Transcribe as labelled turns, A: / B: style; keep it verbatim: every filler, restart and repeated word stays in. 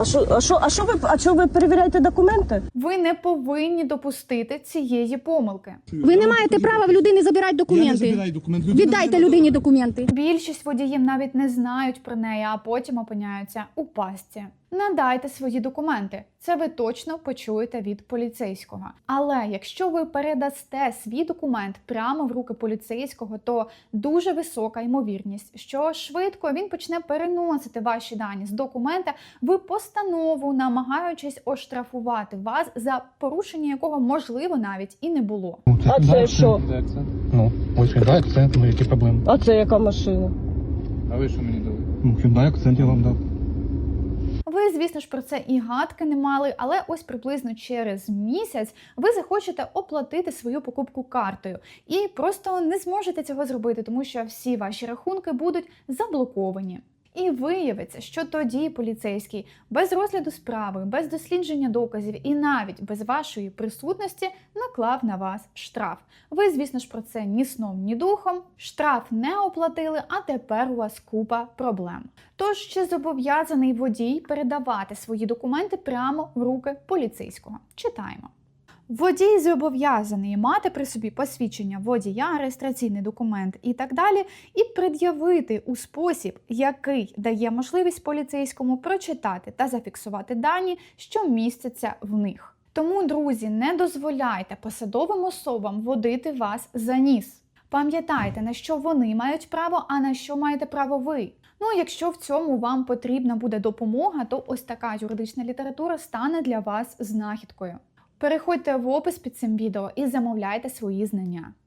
A: А що, а що, а що ви, а що ви перевіряєте документи?
B: Ви не повинні допустити цієї помилки.
C: Ви не маєте права в людини забирати
D: Я не
C: документи.
D: забираю документи. Людина
C: Віддайте
D: забирає.
C: людині документи.
B: Більшість водіїв навіть не знають про неї, а потім опиняються у пастці. Надайте свої документи. Це ви точно почуєте від поліцейського. Але якщо ви передасте свій документ прямо в руки поліцейського, то дуже висока ймовірність, що швидко він почне переносити ваші дані з документа в постанову, намагаючись оштрафувати вас за порушення якого, можливо, навіть і не було.
A: А це що?
D: Ну, ось Hyundai акцент, ну які проблеми?
A: А це яка машина?
E: А ви що мені дали?
D: Ну, Hyundai акцент я вам дав.
B: Ви, звісно ж, про це і гадки не мали, але ось приблизно через місяць ви захочете оплатити свою покупку картою і просто не зможете цього зробити, тому що всі ваші рахунки будуть заблоковані. І виявиться, що тоді поліцейський без розгляду справи, без дослідження доказів і навіть без вашої присутності наклав на вас штраф. Ви, звісно ж, про це ні сном, ні духом. Штраф не оплатили, а тепер у вас купа проблем. Тож, чи зобов'язаний водій передавати свої документи прямо в руки поліцейського? Читаємо. Водій зобов'язаний мати при собі посвідчення водія, реєстраційний документ і так далі, і пред'явити у спосіб, який дає можливість поліцейському прочитати та зафіксувати дані, що містяться в них. Тому, друзі, не дозволяйте посадовим особам водити вас за ніс. Пам'ятайте, на що вони мають право, а на що маєте право ви. Ну, якщо в цьому вам потрібна буде допомога, то ось така юридична література стане для вас знахідкою. Переходьте в опис під цим відео і замовляйте свої знання.